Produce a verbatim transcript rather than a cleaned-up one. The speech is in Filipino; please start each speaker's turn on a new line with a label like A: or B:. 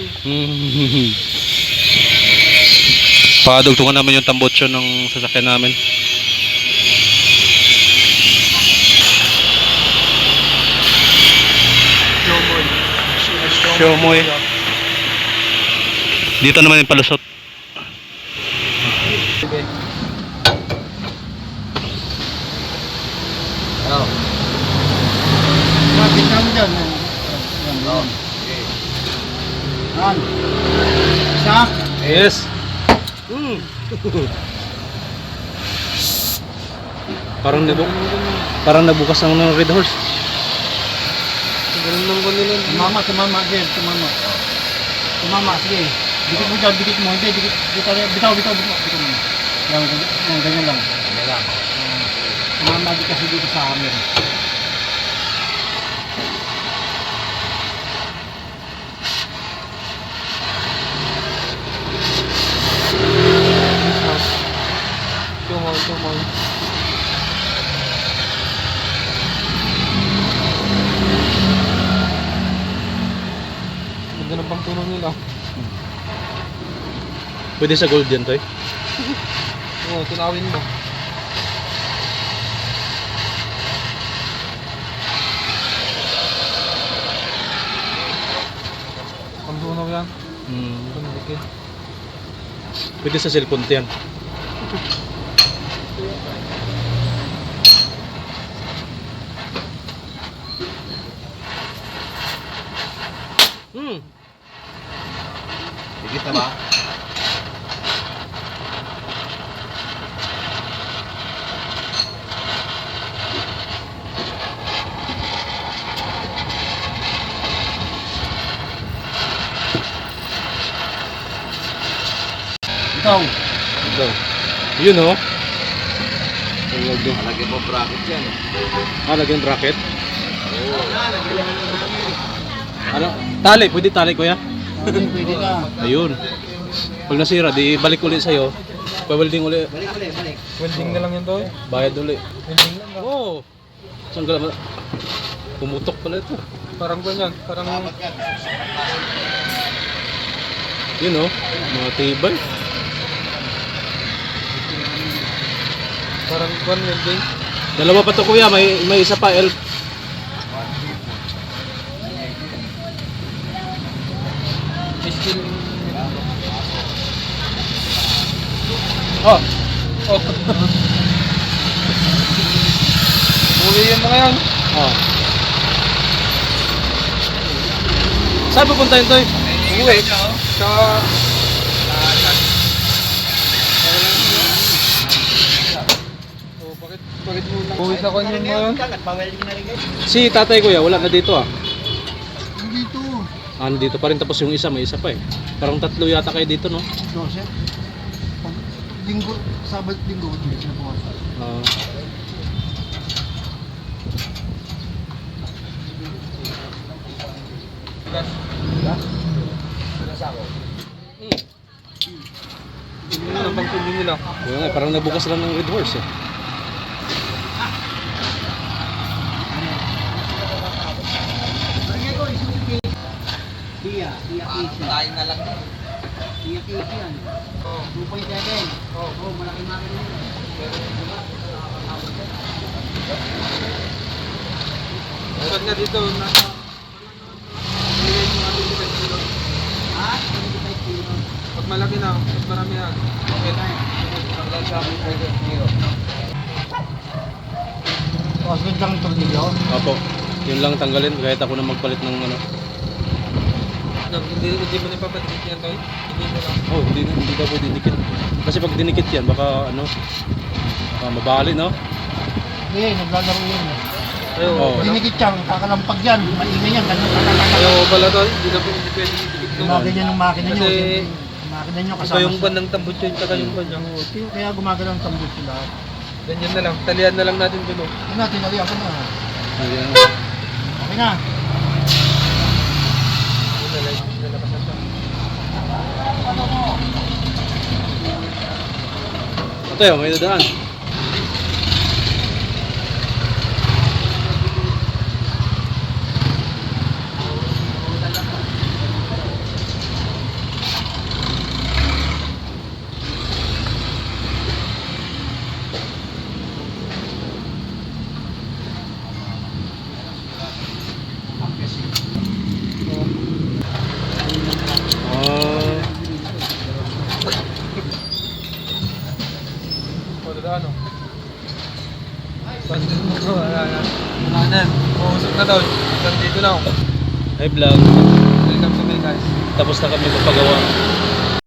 A: Hmm. Padugtungan naman yung tambotso ng sasakyan namin.
B: Shomoy.
A: Shomoy. Dito naman yung palusot.
B: Oh.
C: Bakit kami dyan?
B: Oh.
C: Yan. Isa.
A: Yes. Mm. Parang nabu parang nabukas ng ng Red Horse.
B: Ganun lang ko nila.
C: Tumama, tumama, Jen, tumama. Tumama, sige. Dikit mo dyan, dikit mo. Hindi, dikit, bitaw, bitaw, bitaw, bitaw. Bitaw mo. Yan, ganyan, ganyan lang.
B: Ano lang.
C: Tumama di kasi dito sa amin.
B: Tumoy, tumoy. Ganda ng pangtunog nila.
A: Pwede sa gold yan, Toy.
B: Oo, tunawin mo. Pangtunog yan.
A: Mm.
B: Pangtunog.
A: Pwede sa cellphone yan. Hmm.
B: Higit na ba?
C: Ikaw.
A: Ito. Yun, oh.
B: Lagyan mo bracket yan.
A: Ah, lagyan bracket. Ano? Tali, pwede tali, kuya?
C: Pwede, pwede ka.
A: Ayun. Pag nasira, di balik ulit sa'yo. Pa-welding ulit.
B: Welding na lang yan to.
A: Bayad ulit.
B: Welding lang.
A: Oo. Oh. Saan ka naman? Pumutok pala ito.
B: Parang ganyan. Parang
A: Yun, oh. Mga tibay.
B: parang kwan welding.
A: Dalawa pa to, kuya. May, may isa pa, elf.
B: Steel. Oh. Oh. Uli yung mga yan.
A: Oh. Saan pupunta yun, Toy?
B: Uwi. Sa... Oh, bakit, bakit mo lang... Uwi sa kanya mo yun?
A: Si tatay, kuya. Wala na dito, ah.
C: Dito.
A: Ah, dito pa rin. Tapos yung isa, may isa pa eh. Parang tatlo yata kayo dito, no?
C: Dose. Pag linggo, sabat linggo, hindi sila pumasok.
A: Ah.
B: Gas.
C: Gas?
A: Hmm.
B: Hindi na bang tuloy nila.
A: Kaya nga, parang nabukas lang ng Red Horse eh.
C: Tia, Tia Casey.
B: Tayo na lang.
C: Tia Casey yan.
B: Oh.
C: two point seven.
B: Oh.
C: Oh, malaki makina yun.
B: Saan nga dito? Nasa...
C: Ha? twenty-five kilo.
B: Pag malaki na, pag marami na. Okay. Paglang sa akin, zero.
C: Osgood lang ito dito.
A: Opo. Yun lang tanggalin kahit ako na magpalit ng ano.
B: Hindi, hindi mo na ipapatik yan, Toy? Hindi mo lang.
A: Oh, hindi hindi daw pwede dikit. Kasi pag dinikit yan, baka ano, ah, mabali, no?
C: Hindi, naglalaro yun.
B: Ayaw,
A: Oh.
B: wala.
C: Dinikit yan, kakalampag yan. Maingay yan, ganun
B: Ayaw
C: kakalampag.
B: pala, Toy. Hindi na po hindi pwede dikit doon.
C: Gumaganyan ng makina nyo.
B: Kasi-
C: siyempre, yung makina nyo
B: Iba
C: kasama
B: yung
C: sa-
B: ban ng tambut yun, tsaka yung ban niya.
C: Kaya gumagalaw ng tambut sila.
B: Ganyan na lang. Talian na lang natin dun. oh.
C: Ano natin, aliyan ko na.
A: Ayan.
C: Okay na.
B: Yun na lang. Nalakas na siya.
A: Ito yun, may dadaan.
B: ano. Wala na. Wala na. Mausok na daw. Hanggang dito lang.
A: Hi vlog.
B: Welcome to me guys.
A: Tapos na kami magpagawa.